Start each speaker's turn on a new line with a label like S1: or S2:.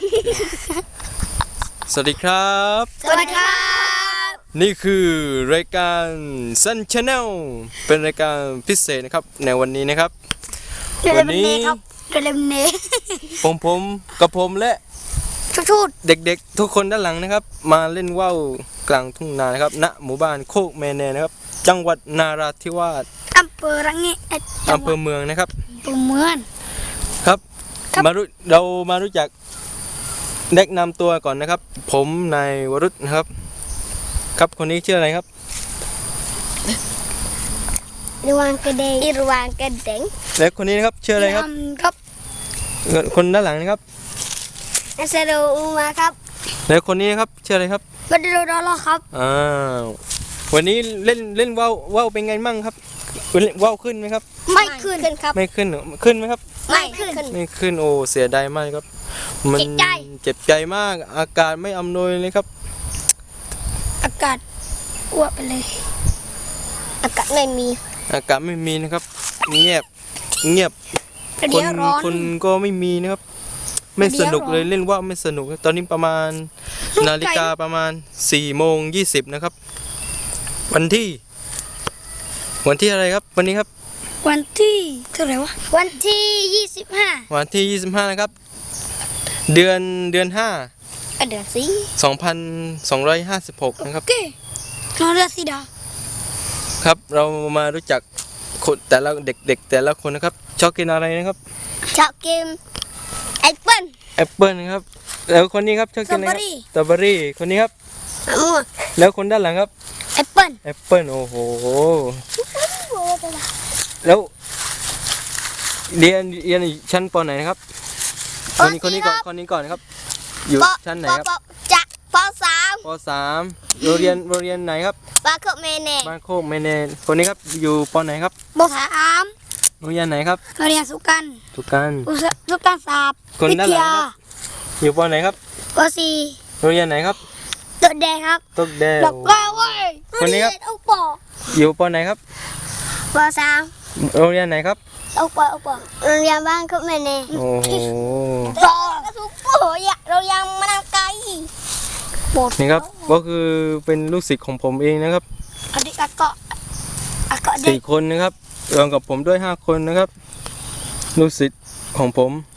S1: สวัสดีครับ
S2: สวัสดีครับ
S1: นี่คือรายการ Sun Channel เป็นรายการพิเศษนะครับในวันนี้นะครับวันนี้
S2: เร็วเน
S1: ผมกับผมและ
S2: ชุด
S1: เด็กๆทุกคนด้านหลังนะครับมาเล่นว่าวกลางทุ่งนานะครับณหมู่บ้านโคกแมแนนะครับจังหวัดนาราธิวาส
S2: อำเภอระแงะ
S1: อำเภอเมืองนะครับ
S2: อำเภอเมือง
S1: ครับเรามารู้จักแนะนำตัวก่อนนะครับ ผมนายวรุษนะครับครับคนนี้ชื่ออะไรครับ
S2: ระวังกระเดงระวังกระเดง
S1: และคนนี้นะครับชื่ออะไรครับ
S2: ครับ
S1: คนด้านหลังนะครับ
S2: อัสโดอุมาครับ
S1: และคนนี้นะครับชื่ออะไรครับ
S2: บัดโดดอลครับ
S1: วันนี้เล่นว่าวเป็นไงมั่งครับว่าวขึ้นไหมครับ
S2: ไม่ขึ้นครับ
S1: ไม่ขึ้นเหรอขึ้นไหมครับ
S2: ไม่ขึ้น
S1: ไม่ขึ้นโอ้เสียดายมากครับมัน
S2: เจ็บใจ
S1: เจ็บใจมากอากาศไม่อำนวยเลยครับ
S2: อากาศอ้วกไปเลยอากาศไม่มี
S1: อากาศไม่มีนะครับเงียบคนก็ไม่มีนะครับไม่สนุกเลยเล่นว่าวไม่สนุกตอนนี้ประมาณนาฬิกาประมาณ4:20นะครับวันที่อะไรครับวันนี้ครับ
S2: วันที่เท่าไหร่วะวันที่25
S1: วันที่25นะครับเดือน5
S2: เดือนสิ
S1: 2256นะครับ
S2: โอเคน้องเรือสีดา
S1: ครับเรามารู้จักคนแต่ละเด็กๆแต่ละคนนะครับชอบกินอะไรนะครับ
S2: ชอบกินแอปเปิ้ล
S1: แอปเปิ้ลนะครับแล้วคนนี้ครับชอบกินอะไรครับสตรอเบอรี่คนนี้ครับ
S2: มะม่วง
S1: แล้วคนด้านหลังครับ
S2: แอปเปิ้ล
S1: แอปเปิ้ลโอ้โหแล้วเรียนชั้นป.ไหนนะครับคนนี้ก่อนครับอยู่ชั้นไหนครับ
S2: จากป
S1: ป.3โรงเรียนไหนครับ
S2: บาโคเมเน่
S1: บ้านโคกแมเนคนนี้ครับอยู่ป.ไหนครับ
S2: ป.3
S1: โรงเรียนไหนครับ
S2: โรงเรียนสุกัน
S1: สุกัน
S2: สุกันศาสตร์
S1: คนด้านหลังครับอยู่ป.ไหนครับ
S2: ป.4
S1: โรงเรียนไหนครับ
S2: ตัวแดงครับ
S1: ตกแดง
S2: บอกว่าเว้ย
S1: คนนี้ครับ
S2: เอาปอ
S1: อยู่ป.ไหนครับ
S2: ป.3
S1: โรงเรียนไหนครับ
S2: เอาปอโรงเรียนบ้านโคเมเน่
S1: โอ้โห
S2: ปอกระสุนโอ้ยเรายังมานั่งไกล
S1: นี่ครับก็คือเป็นลูกศิษย์ของผมเองนะครับ
S2: อันนี้อากาศเด็ก
S1: 4 คนนะครับรวมกับผมด้วย5 คนนะครับลูกศิษย์ของผม